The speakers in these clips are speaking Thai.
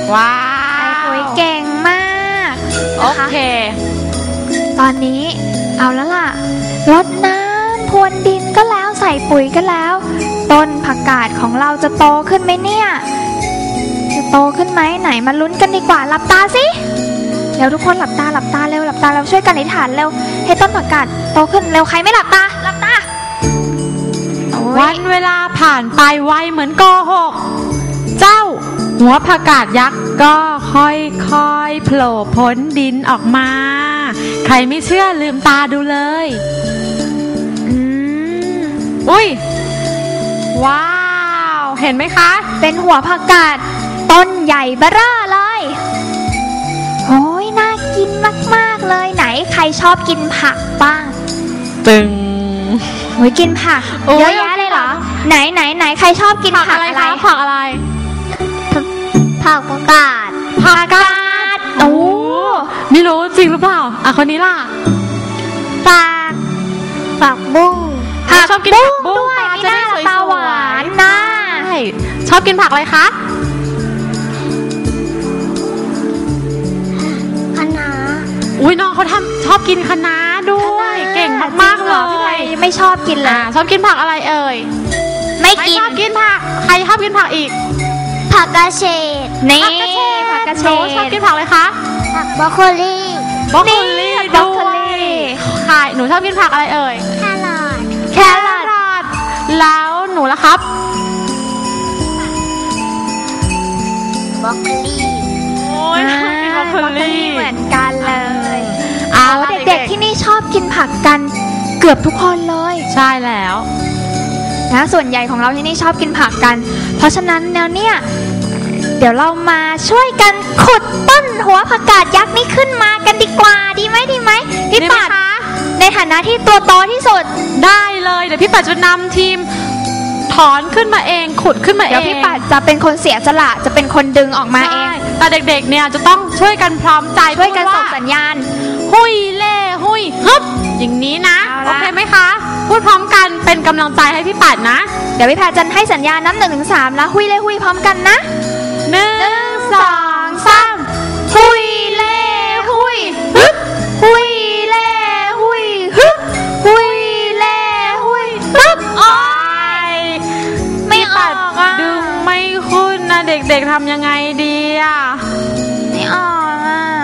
ว้าวเก่งมากโอเคตอนนี้เอาแล้วล่ะรดน้ำพรวนดินก็แล้วใส่ปุ๋ยก็แล้วต้นผักกาดของเราจะโตขึ้นไหมเนี่ยจะโตขึ้นไหมไหนมาลุ้นกันดีกว่าหลับตาสิเร็วทุกคนหลับตาเร็วหลับตาเราช่วยกันอธิษฐานเร็วให้ต้นผักกาดโตขึ้นเร็วใครไม่หลับตาวันเวลาผ่านไปไวเหมือนโกหกเจ้าหัวผักกาดยักษ์ก็ค่อยๆโผล่พ้นดินออกมาใครไม่เชื่อลืมตาดูเลยอุ้ยว้าวเห็นไหมคะเป็นหัวผักกาดต้นใหญ่เบ้อเร่อเลยโอ้ยน่ากินมากๆเลยไหนใครชอบกินผักบ้างตึงโอ้ยกินผักเยอะแยะเลยเหรอไหนใครชอบกินผักอะไรผักอะไรผักกาดโอ้ไม่รู้จริงหรือเปล่าคนนี้ล่ะผักบุ้งชอบกินผักบุ้งด้วยจะได้ตาหวานนะชอบกินผักอะไรคะคะน้าอุ้ยน้องเขาชอบกินคะน้าด้วยเก่งมากๆเลยไม่ชอบกินเลยชอบกินผักอะไรเอ่ยไม่ชอบกินผักใครชอบกินผักอีกผักกระเฉดนี่ผักกระเฉดชอบกินผักอะไรคะผักบรอกโคลีใช่หนูชอบกินผักอะไรเอ่ยแครอทแล้วหนูล่ะครับบรอกโคลีโอ้ยบรอกโคลีเหมือนกันเลยเด็กๆที่นี่ชอบกินผักกันเกือบทุกคนเลยใช่แล้วนะส่วนใหญ่ของเราที่นี่ชอบกินผักกันเพราะฉะนั้นเนี่ยเดี๋ยวเรามาช่วยกันขุดต้นหัวผักกาดยักษ์นี่ขึ้นมากันดีกว่าดีไหมพี่ปัดในฐานะที่ตัวโตที่สุดได้เลยเดี๋ยวพี่ปัดจะนำทีมถอนขึ้นมาเองขุดขึ้นมาเองเดี๋ยวพี่ปัดจะเป็นคนเสียสละจะเป็นคนดึงออกมาเองแต่เด็กๆเนี่ยจะต้องช่วยกันพร้อมใจช่วยกันส่งสัญญาณหุยเล่หุยฮึบอย่างนี้นะโอเคไหมคะพูดพร้อมกันเป็นกำลังใจให้พี่ปัดนะเดี๋ยวพี่ปัดจะให้สัญญาณนับ 1-3 แล้วหุยเล่หุยพร้อมกันนะ1 2 3หุยเล่หุยฮึบหุยเล่หุยฮึบหุยเล่หุยฮึบโอ๊ยไม่ออกดึงไม่ขึ้นนะเด็กๆทำยังไงดีไม่ออก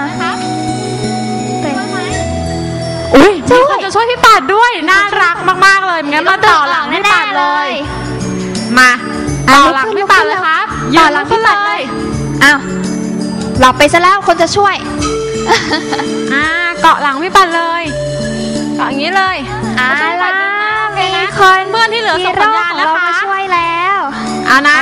อุ้ยมีคนจะช่วยพี่ปัดด้วยน่ารักมากๆเลยงั้นมาต่อหลังพี่ปัดเลยมาต่อหลังพี่ปัดเลยครับต่อหลังพี่ปัดเลยอ้าวหลับไปซะแล้วคนจะช่วยเกาะหลังพี่ปัดเลยเกาะอย่างนี้เลยล่ะมีคนเพื่อนที่เหลือส่งสัญญาณนะคะมาช่วยแล้วนะ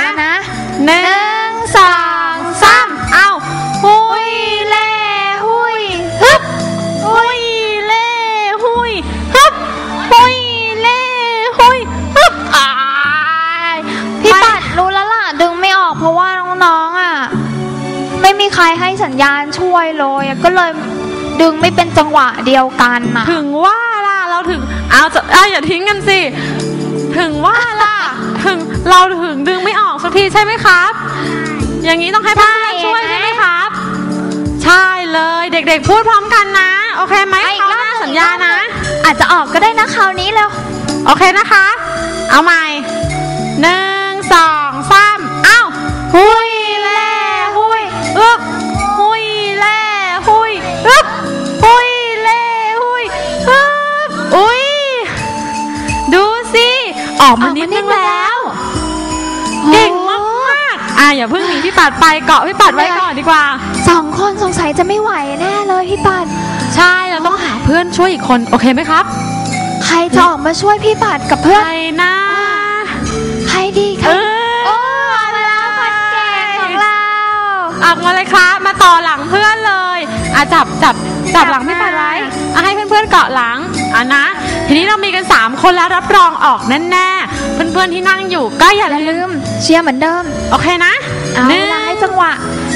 1 2 3เอาหุยเล่หุยฮึบหุยเล่หุยฮึบหุยเล่หุยฮึบพี่ปัดรู้แล้วล่ะดึงไม่ออกเพราะว่าน้องๆไม่มีใครให้สัญญาณช่วยเลยก็เลยดึงไม่เป็นจังหวะเดียวกันถึงว่าล่ะเราถึงอย่าทิ้งกันสิถึงว่าล่ะเราถึงดึงไม่ออกสักทีใช่ไหมครับอย่างนี้ต้องให้เพื่อนช่วยใช่ไหมครับใช่เลยเด็กๆพูดพร้อมกันนะโอเคไหมเขาหน้าสัญญานะอาจจะออกก็ได้นะคราวนี้แล้วโอเคนะคะเอาใหม่1 2 3อ้าวหุยเล่หุยอึ๊บหุยเล่หุยอึ๊บหุยเล่หุยอึ๊บอุ้ยดูสิออกมานิดนึงแล้วเก่งมากอย่าเพิ่งหนีพี่ปัดไปเกาะพี่ปัดไว้ก่อนดีกว่า 2 คนสงสัยจะไม่ไหวแน่เลยพี่ปัดใช่เราต้องหาเพื่อนช่วยอีกคนโอเคไหมครับใครจะออกมาช่วยพี่ปัดกับเพื่อนใครนะใครดีคะเวลาคนเก่งของเราออกมาเลยครับมาต่อหลังเพื่อนเลยจับหลังพี่ปัดไว้ให้เพื่อนๆเกาะหลังนะทีนี้เรามีกัน3 คนแล้วรับรองออกแน่ๆเพื่อนๆที่นั่งอยู่ก็อย่าลืมเชียร์เหมือนเดิมโอเคนะเวลาให้จังหวะ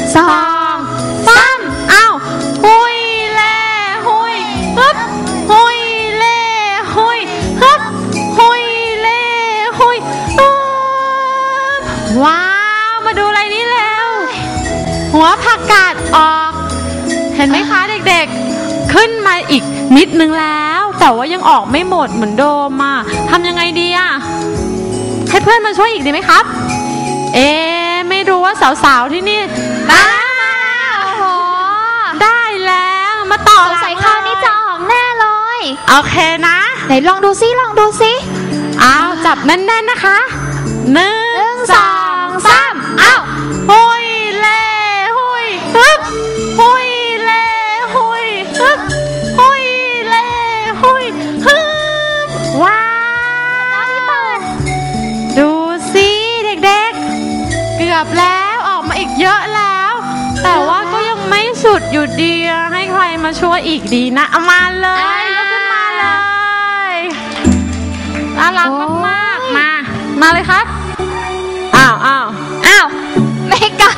2 3 อ้าวหุยเล่หุยฮึบหุยเล่หุยฮึบหุยเล่หุยว้าวมาดูอะไรนี่แล้วหัวผักกาดออกเห็นไหมคะเด็กๆขึ้นมาอีกนิดนึงแล้วแต่ว่ายังออกไม่หมดเหมือนเดิมอ่ะทำยังไงดีอ่ะให้เพื่อนมาช่วยอีกดีไหมครับไม่รู้ว่าสาวๆที่นี่ได้แล้วมาต่อสงสัยคราวนี้จะออกแน่เลยโอเคนะไหนลองดูซิเอาจับแน่นๆนะคะ1 2 3อ้าวหุยเล่หุยฮึบหุยเล่หุยฮึบหุยเล่หุยฮึบว้าวดูสิเด็กๆเกือบแล้วออกมาอีกเยอะแล้วแต่ว่าก็ยังไม่สุดอยู่ดีให้ใครมาช่วยอีกดีนะเอามาเลยลุกขึ้นมาเลยน่ารักมากๆมาเลยครับอ้าวไม่กล้า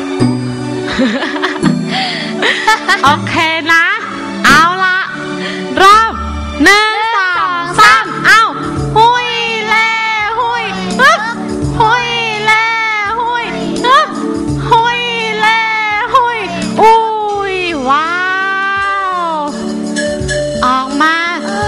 โอเคนะเอาละรอบ1 2 3อ้าวหุยเล่หุยฮึบหุยเล่หุยฮึบหุยเล่หุยอุ้ยว้าวออกมา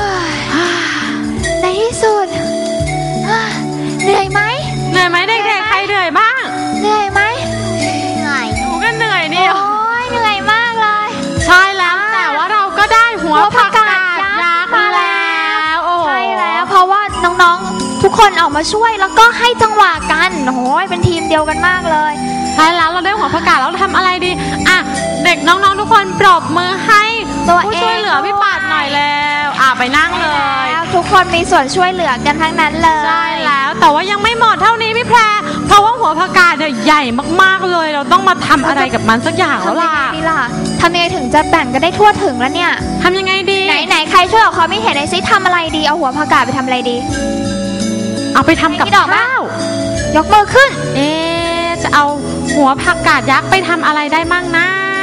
ในที่สุดเหนื่อยไหมเด็กๆใครเหนื่อยบ้างเหนื่อยไหมหนูก็เหนื่อยนี่โอ้ยเหนื่อยมากเลยใช่แล้วแต่ว่าเราก็ได้หัวผักกาดยักษ์มาแล้วใช่แล้วเพราะว่าน้องๆทุกคนออกมาช่วยแล้วก็ให้จังหวะกันโอ้ยเป็นทีมเดียวกันมากเลยใช่แล้วเราได้หัวผักกาดแล้วทำอะไรดีอ่ะเด็กน้องๆทุกคนปรบมือให้ผู้ช่วยเหลือพี่ปาดหน่อยแล้วไปนั่งเลยทุกคนมีส่วนช่วยเหลือกันทั้งนั้นเลยใช่แล้วแต่ว่ายังไม่หมดเท่านี้พี่แพรเพราะว่าหัวผักกาดเนี่ยใหญ่มากๆเลยเราต้องมาทำอะไรกับมันสักอย่างแล้วล่ะทำยังไงถึงจะแบ่งกันได้ทั่วถึงแล้วเนี่ยทำยังไงดีไหนใครช่วยออกความคิดเห็นหน่อยสิทำอะไรดีเอาหัวผักกาดไปทำอะไรดีเอาไปทำกับข้าวยกมือขึ้นจะเอาหัวผักกาดยักษ์ไปทำอะไรได้มั่งนะ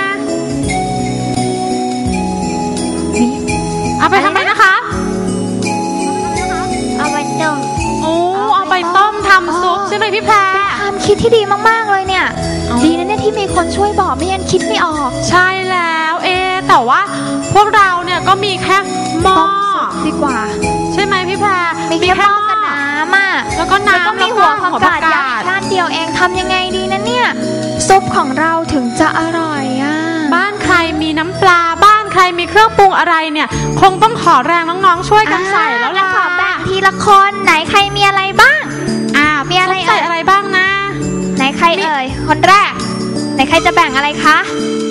เอาไปทำอะไรนะคะเอาไปต้มเอาไปต้มทำซุปใช่ไหมพี่แพรความคิดที่ดีมากๆเลยเนี่ยดีนะเนี่ยที่มีคนช่วยบอกไม่งั้นคิดไม่ออกใช่แล้วแต่ว่าพวกเราเนี่ยก็มีแค่หม้อดีกว่าใช่ไหมพี่แพรมีแค่หม้อกับน้ำอ่ะแล้วก็น้ำแล้วก็มีหัวผักกาดยักษ์ด้านเดียวเองทำยังไงดีนะเนี่ยซุปของเราถึงจะอร่อยบ้านใครมีน้ำปลาบ้านใครมีเครื่องปรุงอะไรเนี่ยคงต้องขอแรงน้องๆช่วยกันใส่แล้วล่ะขอแบ่งทีละคนไหนใครมีอะไรบ้างมีอะไรใส่อะไรบ้างนะไหนใครเอ่ยคนแรกไหนใครจะแบ่งอะไรคะ